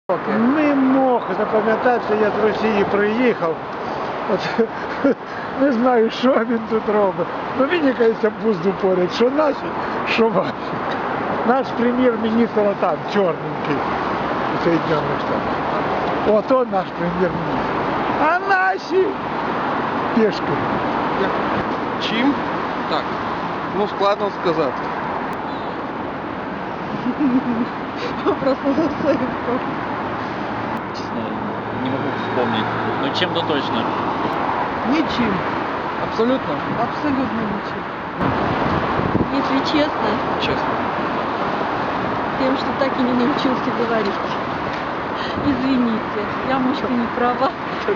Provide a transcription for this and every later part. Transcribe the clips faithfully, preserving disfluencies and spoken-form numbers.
Не мог запам'ятати, я з Росії приїхав. От, не знаю, що він тут робить. Ну мені кажеться, пузду поряд, що наші, що ваші. Наш прем'єр-міністр там, чорненький, у Соєднаних Штатах. Ото наш прем'єр-міністр. А наші пішки. Чим? Так. Ну, складно сказати. Просто за все. Честно, не могу вспомнить. Но чем-то точно. Ничем. Абсолютно? Абсолютно ничем. Если честно, Чесно. тем, что так и не научился говорить. Извините, я, может, и не права.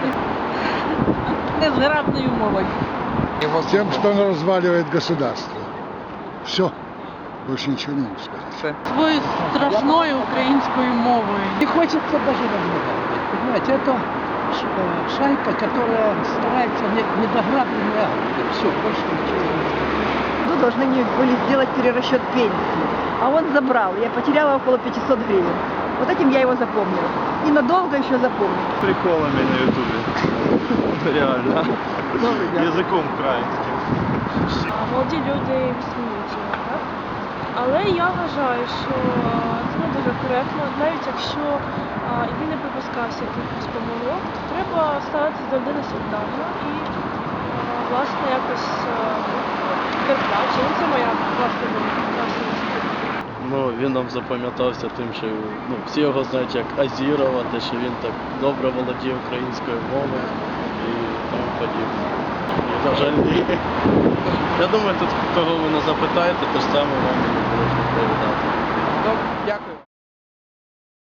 Незграбною мовою. Тем, что он разваливает государство. Все. Больше ничего не могу сказать. Все. Свою страшною українською мовою. Не хочется даже разговаривать. Понимаете, это ш- шайка, которая старается не, не дограбленные акты. Все, больше ничего не делает. Ну, должны мне были сделать перерасчет пенсии. А он забрал. Я потеряла около пятисот гривен. Вот этим я его запомнила. И надолго еще запомню. Приколами на ютубе. Реально. Язиком українським. Молоді люди висміюють його, так? Але я вважаю, що це не дуже коректно, навіть якщо а, і він не припускався якихось помилок, то треба ставити завжди на світанку і а, власне якось терпляти. Ну, це моя власна думка. власна думка. Ну, він нам запам'ятався тим, що ну, всі його знають як Азірова, те, що він так добре володіє українською мовою і тому подібне. І, на жаль, ні. Я думаю, тут кого ви не запитаєте, то ж саме вам і будуть відповідати. Добре, дякую.